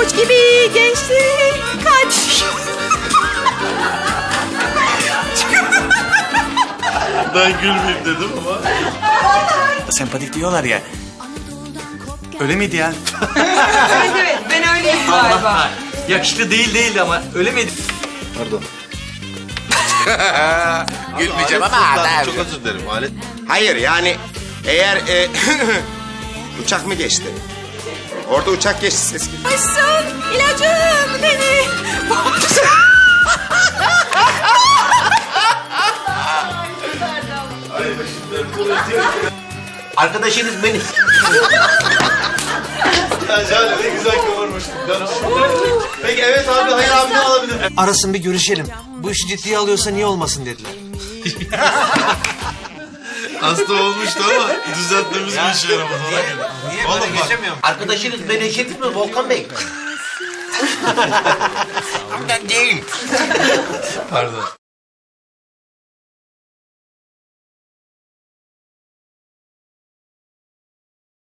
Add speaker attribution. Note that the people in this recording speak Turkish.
Speaker 1: pabuç gibi gençlik kaç.
Speaker 2: Ben gülmeyeyim dedim ama.
Speaker 3: Sempatik diyorlar ya. Öyle miydi ya?
Speaker 1: Evet, ben öyleyim galiba.
Speaker 4: Yakışıklı değildi ama öyle miydi?
Speaker 2: Pardon.
Speaker 5: Gülmeyeceğim
Speaker 2: Alet
Speaker 5: ama
Speaker 2: fırladı.
Speaker 5: abi.
Speaker 2: Çok özür dilerim alet.
Speaker 5: Hayır yani eğer uçak mı geçti? Orada uçak geçti ses gibi.
Speaker 1: Aşsın ilacım beni.
Speaker 4: Arkadaşınız beni.
Speaker 2: Ya Jale ne güzel kıvırmıştın. Peki evet abi, hayır abi ne alabilir?
Speaker 6: Arasın bir görüşelim. Bu işi ciddiye alıyorsa niye olmasın dediler.
Speaker 2: Hasta olmuştu ama düzeltmemiz bir işe yaramadı.
Speaker 6: Niye
Speaker 2: Oğlum
Speaker 6: böyle
Speaker 2: bak.
Speaker 6: geçemiyorum?
Speaker 4: Arkadaşınız beni eşit mi Volkan Bey?
Speaker 5: Ben değil.
Speaker 2: Pardon.